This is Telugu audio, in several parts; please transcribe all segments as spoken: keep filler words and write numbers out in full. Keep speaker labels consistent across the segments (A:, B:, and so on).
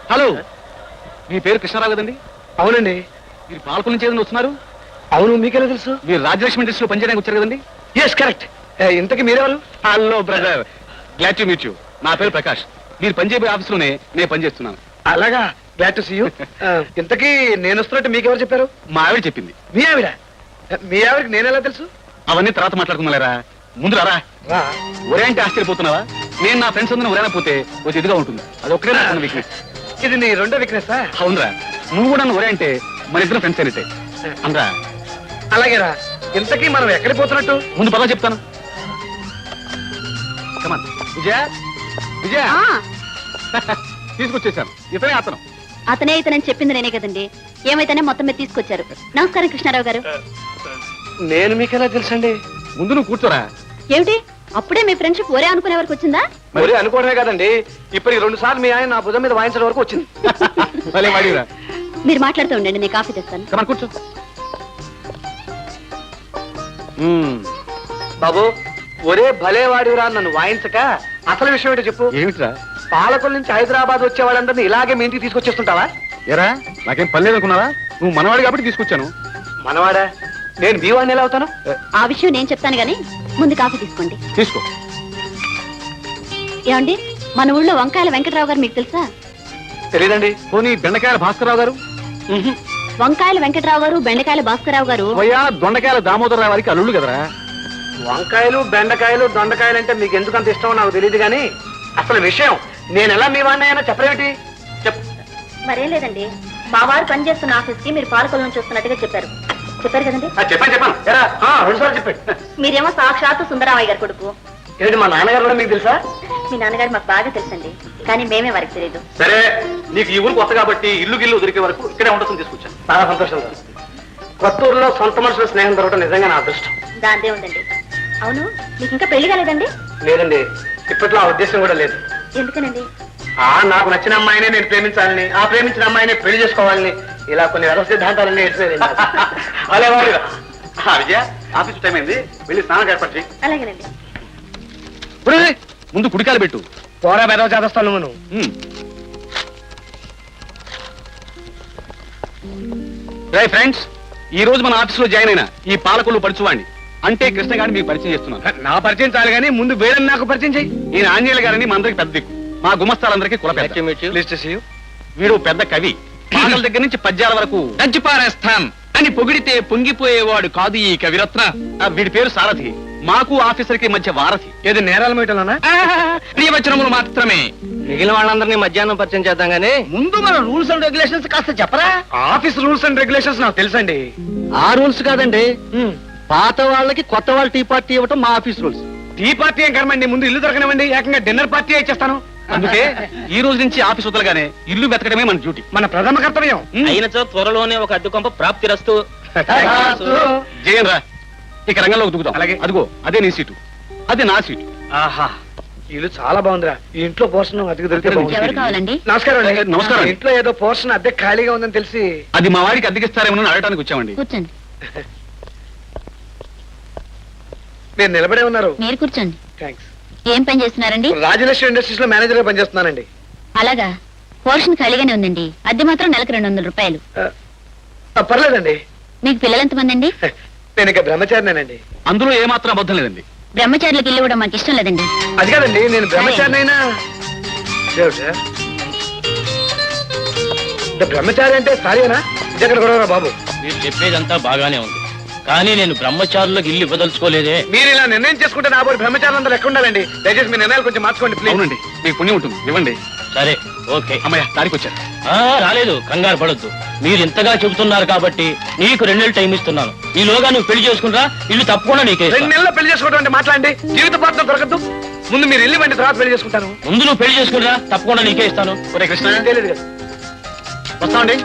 A: హలో, మీ పేరు కృష్ణారావు కదండి?
B: అవునండి.
A: మీరు పాలకుల నుంచి ఏదైనా వస్తున్నారు?
B: అవును, మీకెలా తెలుసు?
A: మీరు రాజలక్ష్మి ఇండస్ట్రీలో పనిచేయడానికి వచ్చారు కదండి?
B: Yes, correct. ఇంతకీ మీరెవరు?
A: Hello brother, glad to meet you. నా పేరు ప్రకాష్. మీరు పనిచేయబోయే ఆఫీసులోనే నేను పనిచేస్తున్నాను.
B: అలాగా, గ్లాడ్ టు సీ యు. ఇంతకీ నేను వస్తున్నట్టు మీకెవరు చెప్పారు?
A: మా ఆవిడ చెప్పింది.
B: మీ ఆవిడ? మీ ఆవిడకి నేను ఎలా తెలుసు?
A: అవన్నీ తర్వాత మాట్లాడుకున్నారా, ముందు రారా.
B: రా.
A: ఒరే అంటే ఆశ్చర్యపోతున్నావా? నేను నా ఫ్రెండ్స్ అందరూ ఒరేనా పోతే కొంచెం ఇదిగా ఉంటుంది. అది ఒక్కడే నా వీక్నెస్.
B: ఇది నీ రెండో వీక్నెస్?
A: అవునరా, నువ్వు కూడా ఒరే అంటే మన ఇద్దరు ఫ్రెండ్స్ అయినట్టే. అనరా?
B: అలాగేరా. ఇంతకీ మనం ఎక్కడికి పోతున్నట్టు?
A: ముందు పదా చెప్తాను. కమాన్ విజయ, విజయ. తీసుకొచ్చేసాను. ఇతనే అతను.
C: అతనే ఇతనని చెప్పింది నేనే కదండి. ఏమైతేనే మొత్తం మీద తీసుకొచ్చారు. నమస్కారం కృష్ణారావు గారు.
B: నేను మీకెలా తెలుసండి?
A: ముందు నువ్వు కూర్చోరా.
C: ఏమిటి అప్పుడే మీ ఫ్రెండ్షిప్ ఒరే అనుకునే వరకు వచ్చిందా?
B: మరి అనుకోవడమే కదండి, ఇప్పటికి రెండు సార్లు మీ ఆయన నా భుజం మీద వాయించడం వరకు వచ్చింది.
A: భలే వాడిరా.
C: మీరు మాట్లాడుతూ ఉండండి, నేను కాఫీ తెస్తాను.
A: కమాన్ కూర్చో.
B: బాబు, ఒరే భలే వాడిరా నన్ను వాయించక అసలు విషయం ఏంటో చెప్పు.
A: ఏమిట్రా?
B: పాలకుల నుంచి హైదరాబాద్ వచ్చేవాళ్ళందరినీ ఇలాగే మీ ఇంటికి తీసుకొచ్చేస్తుంటావా?
A: ఎరా, నాకేం పని లేదనుకున్నావా? నువ్వు మనవాడు కాబట్టి తీసుకొచ్చాను.
B: మనవాడా? నేను మీ వాడిని ఎలా అవుతాను?
C: ఆ విషయం నేను చెప్తాను గానీ ముందు కాఫీ తీసుకోండి.
A: తీసుకో.
C: ఏమండి, మన ఊళ్ళో వంకాయల వెంకటరావు గారు మీకు తెలుసా?
B: తెలీదండి.
A: పోనీ బెండకాయల భాస్కరరావు గారు?
C: వంకాయల వెంకటరావు గారు, బెండకాయల భాస్కరరావు గారు
A: పోయా దొండకాయల దామోదరరావు వారికి అల్లుళ్ళు కదరా.
B: వంకాయలు, బెండకాయలు, దొండకాయలు అంటే మీకు ఎందుకు అంత ఇష్టమో నాకు తెలియదు కానీ అసలు విషయం నేను ఎలా మీ వాడిని అయినా చెప్పరేమిటి? చెప్పు.
C: మరేం లేదండి, మా వారు పనిచేస్తున్న ఆఫీస్ కి మీరు పాలకుల నుంచి వస్తున్నట్టుగా చెప్పారు. చెప్పారు కదండి?
B: చెప్పాను చెప్పాను ఎరా రెండు సార్లు చెప్పాడు.
C: మీరేమో సాక్షాత్తు సుందరామయ్య గారి కొడుకు.
B: ఏంటి, మా నాన్నగారు కూడా మీకు తెలుసా?
C: మీ నాన్నగారు మాకు బాగా తెలుసండి, కానీ మేమే వారికి తెలియదు.
B: సరే, నీకు ఈ ఊరు కొత్త కాబట్టి ఇల్లు గిల్లు దొరికే వరకు ఇక్కడే ఉండొచ్చు తీసుకొచ్చాను. చాలా సంతోషంగా. కొత్త ఊర్లో సొంత మనుషుల స్నేహం దొరకడం నిజంగా నా అదృష్టం.
C: దాందే ఉందండి. అవును, మీకు ఇంకా పెళ్లి కాలేదండి?
B: లేదండి, ఇప్పట్లో ఆ ఉద్దేశం కూడా లేదు.
C: ఎందుకనండి?
B: ఆ నాకు నచ్చిన అమ్మాయినే నేను ప్రేమించాలని, ఆ ప్రేమించిన అమ్మాయినే పెళ్లి చేసుకోవాలని, ఇలా కొన్ని వ్యవస్థ సిద్ధాంతాలన్నీ ఎట్లేదు. అలే వాడు విజయ, ఆఫీస్ టైం అయింది, వెళ్ళి స్నానం ఏర్పాటు చేయి.
C: అలాగేనండి.
A: ముందు కుడికాలు పెట్టు.
B: పోరా బెదవ చేస్తాను నువ్వు.
A: రేయ్ ఫ్రెండ్స్, ఈ రోజు మన ఆఫీస్ లో జాయిన్ అయిన ఈ పాలకులు పడుచువాడిని అంటే కృష్ణ గారిని మీకు పరిచయం చేస్తున్నాను.
B: నా పరిచయం చాలు కానీ ముందు వేరే నాకు పరిచయం చెయ్యి.
A: ఈయన ఆంజనేయులు గారని మనందరికి పెద్ద దిక్కు, మా గుమస్తాలందరికీ కుల పెద్ద. వీడు పెద్ద కవి. పాటల దగ్గర నుంచి పద్యాల వరకు
D: దంచిపారేస్తాం అని పొగిడితే పొంగిపోయేవాడు కాదు ఈ కవిరత్న.
A: వీడి పేరు సారథి, మాకు ఆఫీసర్ కి మధ్య వారధి.
B: ఏది నేరాల మీటలోనా?
D: ప్రియవచనములు మాత్రమే.
B: మిగిలిన వాళ్ళందరినీ మధ్యాహ్నం పరిచయం చేద్దాం గానీ ముందు మన రూల్స్ అండ్ రెగ్యులేషన్స్ కాస్త చెప్పరా? ఆఫీస్ రూల్స్ అండ్ రెగ్యులేషన్స్ నాకు తెలుసండి.
D: ఆ రూల్స్ కాదండి, పాత వాళ్ళకి కొత్త వాళ్ళు టీ పార్టీ ఇవ్వటం మా ఆఫీస్ రూల్స్.
B: టీ పార్టీ ఏం కర్మండి, ముందు ఇల్లు దొరకనివ్వండి, ఏకంగా డిన్నర్ పార్టీ ఇచ్చేస్తాను.
A: అందుకే ఈ రోజు నుంచి ఆఫీస్ వదలగానే ఇల్లు వెతకడమే మన డ్యూటీ,
B: మన ప్రథమ కర్తవ్యం.
D: అయినచో త్వరలోనే ఒక అడ్డుకొంప ప్రాప్తి రస్తు.
A: జయన్ రా, ఇక రంగంలోకి దిగుతాం.
B: అలాగే.
A: అదిగో అదే నీ సీటు, అదే నా సీటు.
B: ఆహా, ఇల్లు చాలా బాగుందిరా. ఈ ఇంట్లో పోర్షన్ అద్దెకు దొరికితే
C: ఎవరు
B: బాగుంది.
C: కావాలండి?
B: నమస్కారం అండి.
A: నమస్కారం.
B: ఇంట్లో ఏదో పోర్షన్ అద్దె ఖాళీగా ఉందని తెలిసి
A: అది మా వాడికి అద్దెకిస్తారేమో అడగడానికి వచ్చామండి.
C: కూర్చోండి.
B: నేను నిలబడే ఉన్నారు.
C: మీరు కూర్చోండి.
B: థ్యాంక్స్.
C: ఏం పని చేస్తున్నారండి?
B: రాజలక్ష్మి ఇండస్ట్రీస్ లో మేనేజర్ గా పనిచేస్తున్నానండి.
C: అలాగా, పోర్షన్ ఖాళీగానే ఉందండి. అద్దె మాత్రం నెలకు రెండు వందల రూపాయలు.
B: ఆ, పర్లేదండి.
C: మీకు పిల్లలు ఎంతమంది అండి?
B: నేను ఇక బ్రహ్మచారినేనండి.
A: అందులో ఏమాత్రం అబద్ధం లేదండి.
C: బ్రహ్మచారులకు ఇల్లు ఇవ్వడం మాకు ఇష్టం లేదండి.
B: అది కాదండి, నేను బ్రహ్మచారినైనా బ్రహ్మచారి అంటే సారీనా? ఇదెక్కడ గొడవరా బాబు?
D: మీరు చెప్పేదంతా బాగానే ఉంది, కానీ నేను బ్రహ్మచారులకు ఇల్లు ఇవ్వదలుచుకోలేదే.
B: మీరు ఇలా నిర్ణయం చేసుకుంటే నా పోటీ బ్రహ్మచారులందరూ ఎక్కడ ఉండాలండి? దయచేసి మీ నిర్ణయాలు కొంచెం మార్చుకోండి ప్లీజ్.
A: అవునండి, మీకు పుణ్యం ఉంటుంది, ఇవ్వండి.
D: సరే, ఓకే.
A: అమ్మయ్య, దారికి వచ్చారు.
D: ఆ, రాలేదు, కంగారు పడొద్దు. మీరు ఇంతగా చెబుతున్నారు కాబట్టి నీకు రెండు నెలలు టైం ఇస్తున్నాను. ఈలోగా నువ్వు పెళ్లి చేసుకుంటా, ఇల్లు తప్పకుండా నీకే.
B: రెండు నెలల్లో పెళ్లి చేసుకోవడం అంటే మాట్లాడండి. జీవిత పాత్ర దొరకద్దు. ముందు మీరు ఇల్లు వంటి తర్వాత పెళ్లి చేసుకుంటాను.
D: ముందు నువ్వు పెళ్లి చేసుకుంటా, తప్పకుండా నీకే ఇస్తాను.
A: ఒరే కృష్ణ,
B: తెలియదు కదా.
A: వస్తామండి.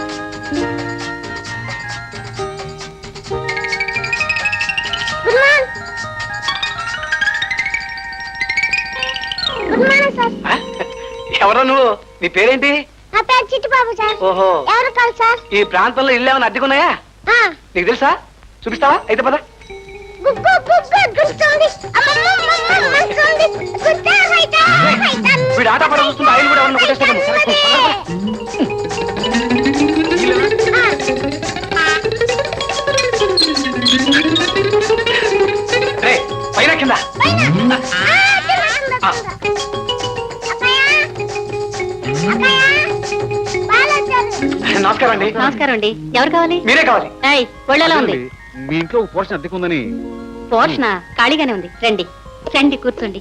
B: ఎవరో నువ్వు? నీ పేరేంటి?
E: నా పేరు చిట్టిబాబు సార్.
B: ఓహో,
E: ఎవరు కాదు సార్?
B: ఈ ప్రాంతంలో ఇల్లు ఏమైనా అద్దెకున్నాయా? నీకు తెలుసా? చూపిస్తావా? అయితే పద.
E: గుగ్గు గుగ్గు గుర్తుంది. అమ్మమ్మ మంచుంది. గుట్ట హైట హైట.
B: వీడు ఆట పడ చూస్తుంటే ఆయన కూడా ఎవరిని కొట్టేస్తాడు. నమస్కారం అండి.
C: నమస్కారం అండి. ఎవరు కావాలి?
B: మీరే కావాలి.
C: ఏయ్, ఒళ్ళెలా ఉంది?
A: మీ ఇంట్లో ఒక పోర్షన్ అద్దెకు ఉందని
C: పోర్షణ ఖాళీగానే ఉంది. రండి రండి కూర్చోండి.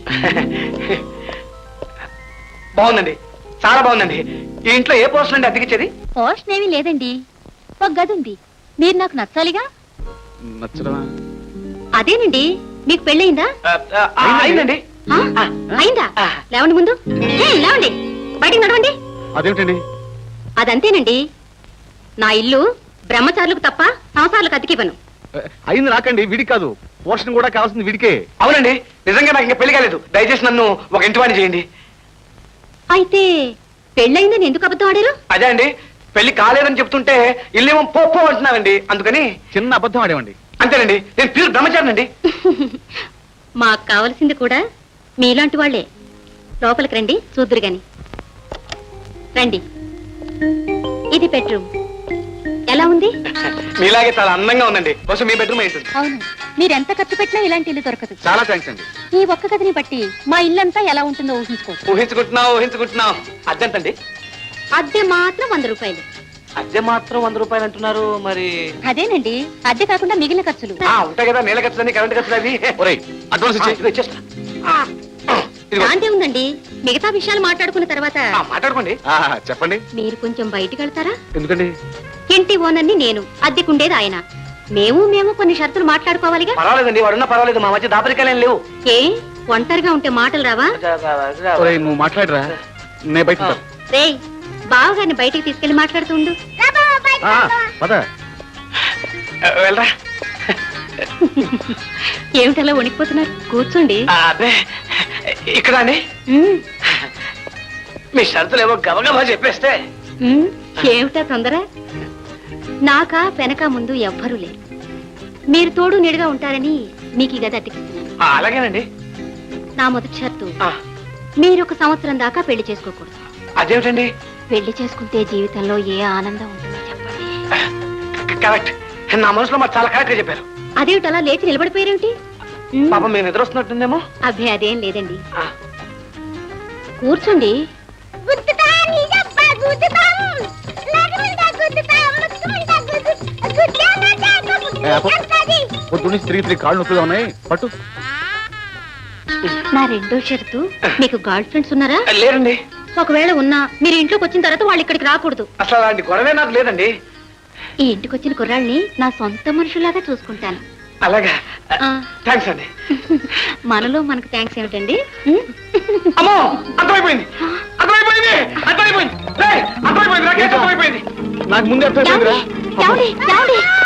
B: బాగుందండి, చాలా బాగుందండి. ఈ ఇంట్లో ఏ పోర్షన్ అండి అద్దెకిచ్చేది?
C: పోర్షణ ఏమీ లేదండి, ఒక గది ఉంది. మీరు నాకు నచ్చాలిగా.
A: నచ్చడమా?
C: అదేనండి. మీకు పెళ్ళయిందా?
B: ఆ, ఆ, అయిందండి.
C: ఆ? అయిందా?
B: ఆ.
C: లేవండి ముందు. ఏయ్, లేవండి, బయటికి నడవండి.
A: అదేమిటండి?
C: అదంతేనండి. నా ఇల్లు బ్రహ్మచారులకు తప్ప సంసారాలకు అతికివ్వను.
A: అయింది నాకండి, వీడికి కాదు. పోర్షన్ కూడా కావాల్సింది వీడికే.
B: అవునండి, నిజంగా నాకు ఇంకా పెళ్లి కాలేదు. దయచేసి నన్ను ఒక ఇంటి వాణి చేయండి.
C: అయితే పెళ్ళయిందని ఎందుకు అబద్ధం ఆడారు?
B: అదే అండి, పెళ్లి కాలేదని చెప్తుంటే ఇల్లేమో పోపో అంటున్నానండి, అందుకని.
A: చిన్న అబద్ధం ఆడేవండి.
B: అంతేనండి, నేను ప్యూర్ బ్రహ్మచారినండి.
C: మాకు కావలసింది కూడా మీలాంటి వాళ్ళే. లోపలికి రండి, చూద్దురు గాని. రండి, ఇది బెడ్రూమ్. ఎలా ఉంది?
B: మీలాగే చాలా అందంగా ఉందండి. బహుశా మీ బెడ్రూమ్ ఏంటుంది.
C: అవును, మీరెంత ఖర్చు పెట్టినా ఇలాంటి ఇల్లు దొరకదు.
A: చాలా థ్యాంక్స్ అండి.
C: ఈ ఒక్క గదిని బట్టి మా ఇల్లంతా ఎలా ఉంటుందో ఊహించుకోవచ్చు.
B: ఊహించుకుంటున్నావు ఊహించుకుంటున్నావు అద్దెంతండి?
C: అద్దె మాత్రం వంద రూపాయలు.
B: అద్దె మాత్రం వంద రూపాయలు అంటున్నారు, మరి
C: అదేనండి, అద్దె కాకుండా మిగిలిన ఖర్చులు.
B: ఆ, ఉంటాయి కదా, నీళ్ళ ఖర్చులని, కరెంట్ ఖర్చులు అవి.
A: ఒరేయ్, అడ్వాన్స్
B: ఆ,
A: ఇచ్చి
B: ఇదిగో ఇచ్చేస్తా. ఇదిగో.
C: దాంతే ఉందండి. మిగతా విషయాలు మాట్లాడుకున్న తర్వాత
B: ఆ, మాట్లాడుకోండి.
A: చెప్పండి.
C: మీరు కొంచెం బయటికి వెళ్తారా?
A: ఎందుకండి?
C: ఇంటి ఓనర్ని నేను, అద్దెకుండేది ఆయన. మేము మేము కొన్ని షరతులు మాట్లాడుకోవాలిగా.
B: పర్వాలేదండి, వాడున్నా పర్వాలేదు. మా మధ్య దాపరికాలేం లేవు.
C: ఏ ఒంటరిగా ఉంటే మాటలు రావా?
A: ఒరేయ్, నువ్వు మాట్లాడరా, నేను బయట ఉంటాను.
C: రేయ్, బావగారిని బయటికి తీసుకెళ్లి మాట్లాడుతూ ఉండు.
E: రా బావ, బయటికి
A: ఆ,
E: రా.
A: పద.
B: వెళ్ళరా.
C: ఏమిటలా వణికిపోతున్నారు? కూర్చోండి.
B: ఆ, అదే ఇక్కడ అండి.
C: ఉమ్,
B: మీ షరతులు ఏవో గబగబా చెప్పేస్తే.
C: ఉమ్, ఏమిటా తొందర? నాకా వెనక ముందు ఎవ్వరూ లేరు. మీరు తోడు నీడుగా ఉంటారని మీకు ఈ గది అద్దెకిస్తున్నాను.
B: ఆ, అలాగేనండి.
C: నా మొదటి షరతు,
B: ఆ,
C: మీరు ఒక సంవత్సరం దాకా పెళ్లి చేసుకోకూడదు.
B: అదేమిటండి?
C: పెళ్లి చేసుకుంటే జీవితంలో ఏ ఆనందం ఉంటుందో చెప్పండి.
B: కరెక్ట్. నా మనసులో మాకు చాలా కరెక్ట్ గా చెప్పారు.
C: అదేమిటలా లేచి నిలబడిపోయారేమిటి? ఉమ్,
B: పాపం మేము నిద్ర వస్తున్నట్టుందేమో.
C: అభి అదేం లేదండి,
B: ఆ,
E: గుద్దుతా,
C: కూర్చోండి.
E: నిజప్పా, గుద్దుతాం. లగమంతా గుద్దుతాం, ముట్టుకుంటా గుద్దు- గుద్దామంటా
A: ఏ, అప్పు.
E: గుద్దుతాది.
A: పొద్దు నుంచి తిరిగి తిరిగి కాళ్ళు నొప్పిగా ఉన్నాయి. పట్టు.
C: నా రెండో షరతు, మీకు గర్ల్ ఫ్రెండ్స్ ఉన్నారా?
B: లేరండి.
C: ఒకవేళ ఉన్నా మీరు ఇంట్లోకి వచ్చిన తర్వాత వాళ్ళు ఇక్కడికి రాకూడదు.
B: అసలు అలాంటి గొడవే నాకు లేదండి.
C: ఈ ఇంటికి వచ్చిన కుర్రాళ్ళని నా సొంత మనుషులాగా చూసుకుంటాను.
B: అలాగా.
C: ఆ.
B: థ్యాంక్స్ అండి.
C: మనలో మనకు థ్యాంక్స్ ఏమిటండి? ఉమ్?
B: అమ్మో, అర్థమైపోయింది అర్థమైపోయింది అర్థమైపోయింది. రేయ్, అర్థమైపోయింది, నాకేం అర్థమైపోయింది.
A: నాకు ముందే అర్థమైపోయిందిరా.
C: ఏమండి? ఏమండి? ఏమండి?